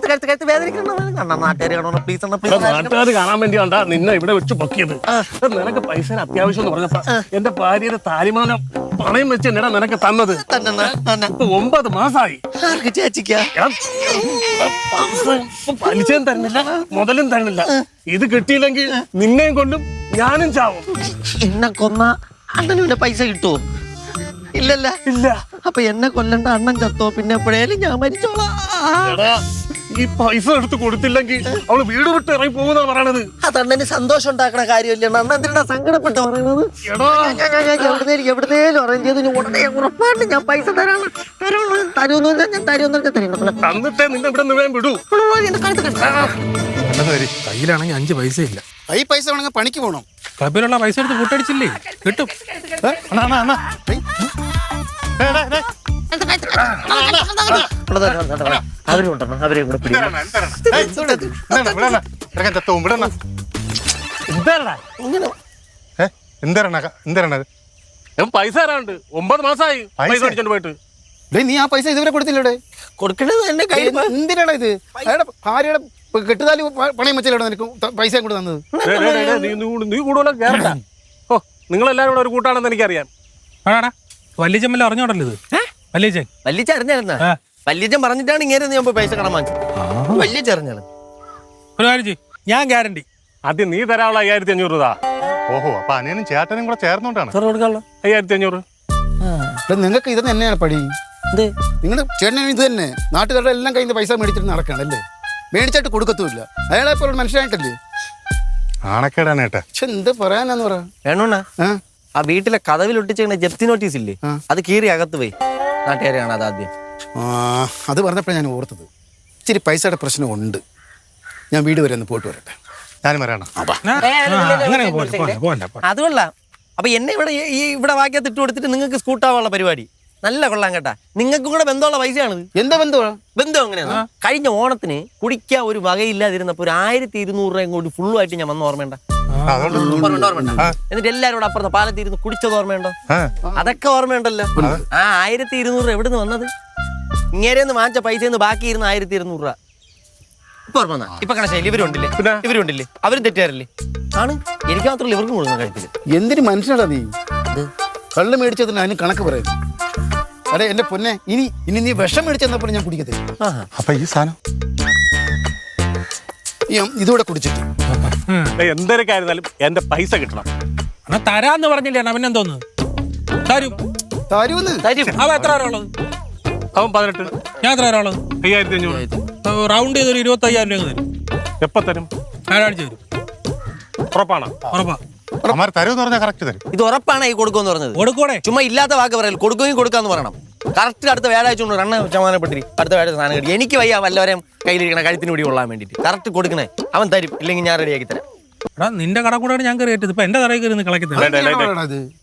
നാട്ടുകാർ കാണാൻ വേണ്ടിയാണ്ടാ നിന്നെ ഇവിടെ വെച്ച് പൊക്കിയത്. നിനക്ക് പൈസ അത്യാവശ്യം എന്ന് പറഞ്ഞപ്പോ എന്റെ ഭാര്യയുടെ താലിമാനം പണയം വെച്ച് എന്നടാ നിനക്ക് തന്നത്. 9 മാസമായി. പലിശയും തരുന്നില്ല, മുതലും തരുന്നില്ല. ഇത് കിട്ടിയില്ലെങ്കിൽ നിന്നെയും കൊണ്ടും ഞാനും ചാവും. എന്നെ കൊന്ന അണ്ണന് പൈസ കിട്ടുമോ? ഇല്ലല്ല. ഇല്ല. അപ്പൊ എന്നെ കൊല്ലണ്ട, അണ്ണൻ ചത്തോ? പിന്നെ എപ്പോഴേലും ഞാൻ മരിച്ചോളാം. ഈ പൈസ എടുത്ത് കൊടുത്തില്ലെങ്കിൽ അവള് വീട് വിട്ട് ഇറങ്ങി പോകുന്ന പറയണത്. അത് അണ്ണന് സന്തോഷം ഉണ്ടാക്കണ കാര്യമല്ലേ? അണ്ണൻ എന്തിനാ സങ്കടപ്പെട്ട് പറയണത്? എവിടുന്നേലും അറേഞ്ച് ചെയ്ത് ഉടനെ ഉറപ്പായിട്ട് ഞാൻ പൈസ തരുമെന്ന് ഞാൻ തരുമെന്ന് തന്നിട്ടേ നിന്നെ ഇവിടെ നിന്ന് വിടൂ. കയ്യിലാണെങ്കിൽ 5 പൈസ ഇല്ല. ഈ പൈസ വേണമെങ്കിൽ പണിക്ക് പോകണം. ക്ലബിലുള്ള പൈസ എടുത്ത് കൂട്ടടിച്ചില്ലേ? കിട്ടും. അവരെ കൂടെ പിടിക്കണം. പൈസ തരാണ്ട് 9 മാസമായി പൈസ അടിച്ചോണ്ട് പോയിട്ട്. നീ ആ പൈസ ഇതുവരെ കൊടുത്തില്ലടെ? കൊടുക്കണത് എന്റെ കയ്യിൽ. എന്തിനാണ് ഇത്? അയാളുടെ ഭാര്യയുടെ കെട്ടുതാലി പണയം വെച്ചാലോ നിനക്ക് പൈസ കൂടെ തന്നത്? നീ കൂടുതലും കേറണ്ട. ഓ, നിങ്ങളെല്ലാരും കൂടെ ഒരു കൂട്ടാണെന്ന് എനിക്കറിയാം. വല്യച്ചമ്മല്ല അറിഞ്ഞോടല്ലോ ഇത്. വല്യച്ച അറിഞ്ഞായിരുന്ന? വല്യച്ചൻ പറഞ്ഞിട്ടാണ് ഇങ്ങനെ ഞാൻ പൈസ കടം വാങ്ങിച്ചത്. വല്യച്ച അറിഞ്ഞാണ്. ഒരു കാര്യം ചെയ്യ്, ഞാൻ ഗ്യാരണ്ടി. ആദ്യം നീ തരാനുള്ള 1500 രൂപ. ഓഹോ, അപ്പൊ അനിയനും ചേട്ടനും കൂടെ ചേർന്നോണ്ടാണ് 1500. നിങ്ങൾക്ക് ഇത് തന്നെയാണ് പടി. നിങ്ങളുടെ ചേട്ടനും ഇത് തന്നെ. നാട്ടുകാരുടെ എല്ലാം കയ്യിൽ നിന്ന് പൈസ മേടിച്ചിട്ട് നടക്കുകയാണല്ലേ? മേടിച്ചിട്ട് കൊടുക്കത്തുമില്ല. അയാളെ പോലെ മനുഷ്യനായിട്ടല്ലേ? ആണക്കേടാണ് ഏട്ടാ. പക്ഷെ എന്ത് പറയാനാന്ന് പറ. വേണോണ്ണ, ആ വീട്ടിലെ കതവിൽ ഒട്ടിച്ചിങ്ങനെ ജപ്തി നോട്ടീസ് ഇല്ലേ, അത് കീറി അകത്ത് പോയി. നാട്ടുകാരെ കാണാതെ ആദ്യം. അത് പറഞ്ഞപ്പോഴാണ് ഞാൻ ഓർത്തത്. ഇച്ചിരി പൈസയുടെ പ്രശ്നമുണ്ട്. ഞാൻ വീട് വരെ ഒന്ന് പോയിട്ട് വരട്ടെ. ഞാനും വരാണോ? അത് കൊള്ളാം. അപ്പൊ എന്നെ ഇവിടെ വാക്കിയത്ത് ഇട്ട് കൊടുത്തിട്ട് നിങ്ങൾക്ക് സ്കൂട്ടാവാനുള്ള പരിപാടി നല്ല കൊള്ളാം കേട്ടാ. നിങ്ങൾക്കും കൂടെ ബന്ധമുള്ള പൈസയാണിത്. എന്താ ബന്ധമാണ്? ബന്ധം എങ്ങനെയാണ്? കഴിഞ്ഞ ഓണത്തിന് കുടിക്കാൻ ഒരു വകയില്ലാതിരുന്നപ്പോ ഒരു 1200 രൂപയും കൂടി ഫുള്ളുമായിട്ട് ഞാൻ വന്ന ഓർമ്മയുണ്ട? എന്നിട്ട് എല്ലാവരും അപ്പുറത്ത് പാലത്തിരുന്ന് കുടിച്ചത് ഓർമ്മയുണ്ടോ? അതൊക്കെ ഓർമ്മയുണ്ടല്ലോ. ആ 1200 രൂപ എവിടുന്ന് വന്നത്? ഇങ്ങേരെന്ന് വാങ്ങിച്ച പൈസന്ന് ബാക്കി ഇരുന്ന് 1200 രൂപ. ഇപ്പൊ ഓർമ്മ ഇപ്പൊ കണശയില്ല. ഇവരുണ്ടില്ലേ അവരും തെറ്റുകാരല്ലേ? ആണ്. എനിക്ക് മാത്രമല്ല ഇവർക്കും കൊടുക്കുന്ന കാര്യത്തില്. എന്തിനു മനുഷ്യനാടാ നീ? കള്ള് മേടിച്ചതിന് അതിന് കണക്ക് പറയുന്നു. അതെ എന്റെ പൊന്നെ, ഇനി നീ വിഷം മേടിച്ചെന്നപ്പോൾ ഞാൻ കുടിക്കത്തില്ല. അപ്പൊ ഈ സാധനം ഇതുകൂടെ കുടിച്ചിട്ട് എന്തൊക്കെ ആയിരുന്നാലും എന്റെ പൈസ കിട്ടണം. തരാന്ന് പറഞ്ഞില്ലേ? അവനെന്തോന്ന് തരും? അവൻ എത്ര ഉള്ളത്? അവൻ 18. ഞാൻ എത്ര ഉള്ളത്? 5500. റൗണ്ട് ചെയ്തൊരു 25,000 രൂപ തരും. എപ്പ തരും? ഞായറാഴ്ച തരും. ഉറപ്പാണോ? ഉറപ്പാ. അമാർ തരുമെന്ന് പറഞ്ഞാൽ കറക്റ്റ് തരും. ഇത് ഉറപ്പാണ് ഈ കൊടുക്കുമെന്ന് പറഞ്ഞത്? കൊടുക്കൂടെ? ചുമ്മാ ഇല്ലാത്ത വാക്ക് പറയല്ലോ. കൊടുക്കുകയും കൊടുക്കാന്ന് പറയണം. കറക്റ്റ് അടുത്ത വ്യാഴാഴ്ച കൊണ്ട് 2 ശതമാനപ്പെട്ടി അടുത്ത വ്യാഴാഴ്ച സാധനം കിട്ടി. എനിക്ക് വയ്യ വല്ലവരെയും കയ്യിലിരിക്കണ കഴുത്തിന് പിടി കൊള്ളാൻ വേണ്ടിട്ട്. കറക്റ്റ് കൊടുക്കണേ. അവൻ തരും, ഇല്ലെങ്കിൽ ഞാൻ റെഡിയാക്കി തരാം. നിന്റെ കട കൂടെ ഞാൻ കയറിയിട്ട് ഇപ്പൊ എന്റെ തറയിൽ കയറി കളക്കി തരാം.